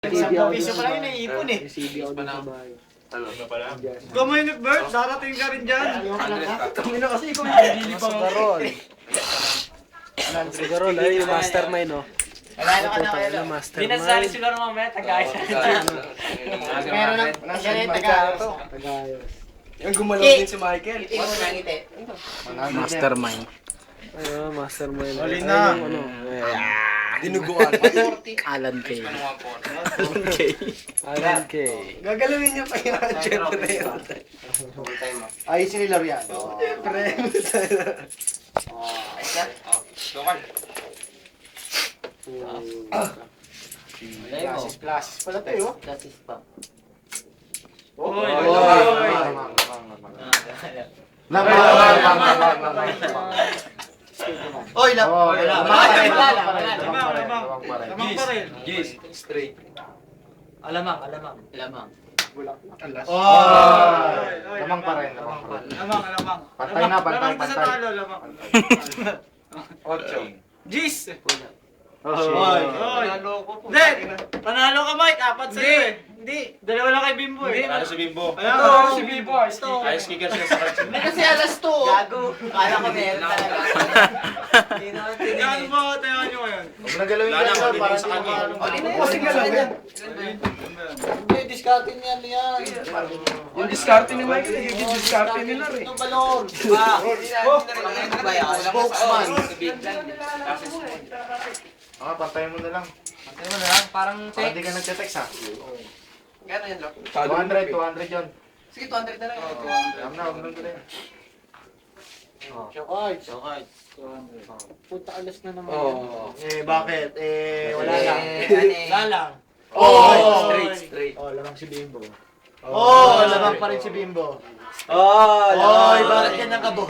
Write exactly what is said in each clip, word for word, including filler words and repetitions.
Piso pa lang yun, naiipon eh. C D ako sa bahay. Ano na pala? Kumainit, Bert. Darating ka rin dyan. Kami na kasi ikaw yung bibili pa. Sugarol. Sugarol, ay yung mastermind, no? Alala ka na kayo. Yung Hindi mastermind. nasali siguro mamaya, tagay siya. Meron ng ganyan taga. Tagayos. Yung gumalaw din si Michael. Ngiti mo na ngiti. Mastermind. Ayun, mastermind. Huli Ayun, na. yung ano, eh, Dinuguan. Alan K. Alan K. Alan K. Gagalawin niya pa yun. Siyempre yun. Ay, si Lorian. Siyempre. Ayos na. Lokal. Classes, classes pala tayo. Classes pa. Oy! Oy, lang. Lamang pa rin. Lamang, lamang. Lamang pa rin. Yes. Straight. Alamang, alamang. Alamang. Oy! Lamang pa rin, lamang pa rin. Lamang, lamang. Pantay na, pantay, Lamang pa sa pantay. talo, lamang. Ocho. Gis! Oy! Oy! Hindi! Panalo ka, Mike. Apat sa'yo eh. Hindi. Dalawa lang kay Bimbo eh. Ano si Bimbo? Ayan, Ito, oh. si Bimbo. Ice kicker siya sa kanya. Hindi kasi alas to. Gago. Kala ko meron talaga. Hindi naman Ano tinigil. ba tayo nyo ngayon? Huwag na galawin Wala ka na, na, mabilis para sa hindi kanya. makalong. Hindi na Kasi galawin. Hindi, discardin yan yan. Yung diskarte ni Michael, yung diskarte nila rin. Ang balon. Ah, hindi ba yan? Spokesman. Ah, pantayin mo na lang. Ano mo na lang, parang Para hindi text. ka nagte-text ha. Gano'n yan, Lok? two hundred, two hundred yun. Sige, two hundred na lang. Alam na, huwag nang gulay. Shokay. Okay. Punta alas na naman. Oo. Eh, bakit? Eh, wala lang. Wala lang. Oh! Straight, straight. Oh, lamang si Bimbo. Oh, lamang pa rin si Bimbo. Oh, Oy, bakit yan ang kabo?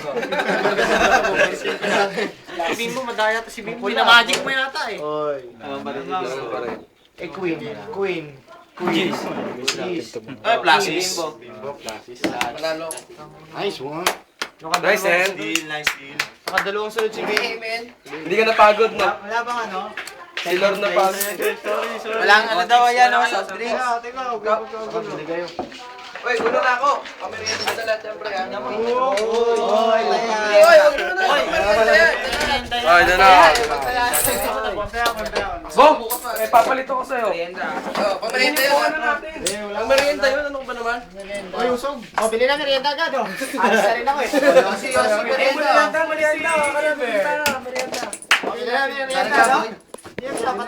Si Bimbo, madaya to si Bimbo. Pinamagic mo yata eh. Oy. Ganun pa rin. Eh, Queen. Queen. Queen. Jeez. Ay, Plasis. Bimbo, classes. Manalo. Nice one. Nice, eh. Deal, nice deal. Nakadalawang sunod si Bimbo. Hindi ka napagod, no? Wala, wala bang ano? Si Lord na pagod. Sorry, sorry. Walang ano daw yan, no? Soft drinks. Teka, teka. Huwag ka, huwag ka, Hindi kayo. Uy, ulo na ako. Kami rin yung dala, siyempre. Oy, oy, Oy, huwag mo na. Oy, doon na ako. Bong! Eh, papalito ko sa'yo. Oh, pamerienda yun. Ano natin? Ang merienda yun, ano ba naman? Oy, usog. Oh, bili na merienda agad, oh. Alas na rin ako, eh. Yosi, Yosi, merienda. Merienda, merienda. Merienda. Bili na merienda, no? Yes, dapat